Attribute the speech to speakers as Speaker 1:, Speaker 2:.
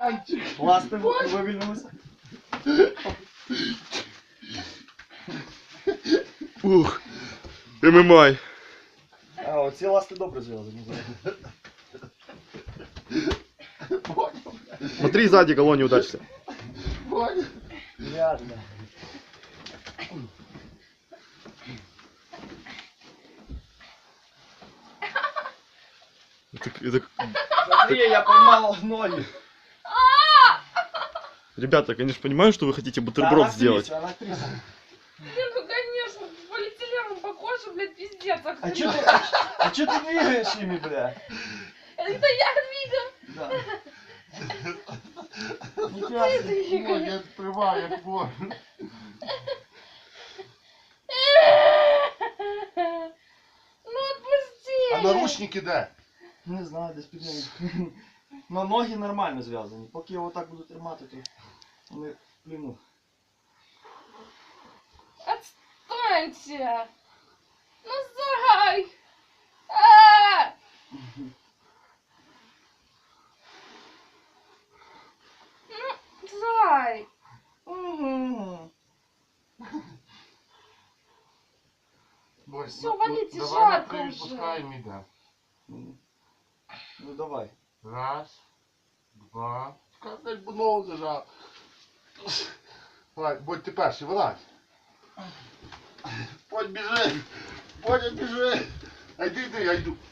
Speaker 1: Ласти вивільнилися.
Speaker 2: Ух, ММА.
Speaker 1: А, оці ласти добре зв'язані.
Speaker 2: Смотри сзади, колонн не удачься.
Speaker 1: Ясно.
Speaker 2: Это...
Speaker 1: Смотри, я поймал ноги.
Speaker 2: Ребята, конечно, понимаю, что вы хотите бутерброд сделать.
Speaker 1: Она актриса.
Speaker 3: Блин, ну конечно, полиэтиленом по коже, блядь, пиздец.
Speaker 1: А чё ты двигаешь ими, бля?
Speaker 3: Это я двигаю.
Speaker 1: Да.
Speaker 3: Ты двигаешь.
Speaker 4: Я відкриваю, як можу.
Speaker 3: Ну отпусти.
Speaker 4: А наручники де?
Speaker 1: Не знаю, десь під ними. Но ноги нормально зв'язані. Поки я отак буду тримати, то вони в пліну.
Speaker 3: Отстаньте. Ну зай. А! Ну, зай.
Speaker 1: Угу.
Speaker 4: Бось,
Speaker 3: Всё, валите,
Speaker 4: давай
Speaker 3: жарко
Speaker 4: ми
Speaker 3: вже.
Speaker 4: відпускаємо, іде.
Speaker 1: Ну давай.
Speaker 4: Раз, два. Чекай, бо ногу зажав. Давай, будь ти перший, вилазь. Будь біжи. Будь біжи. А йди, я йду.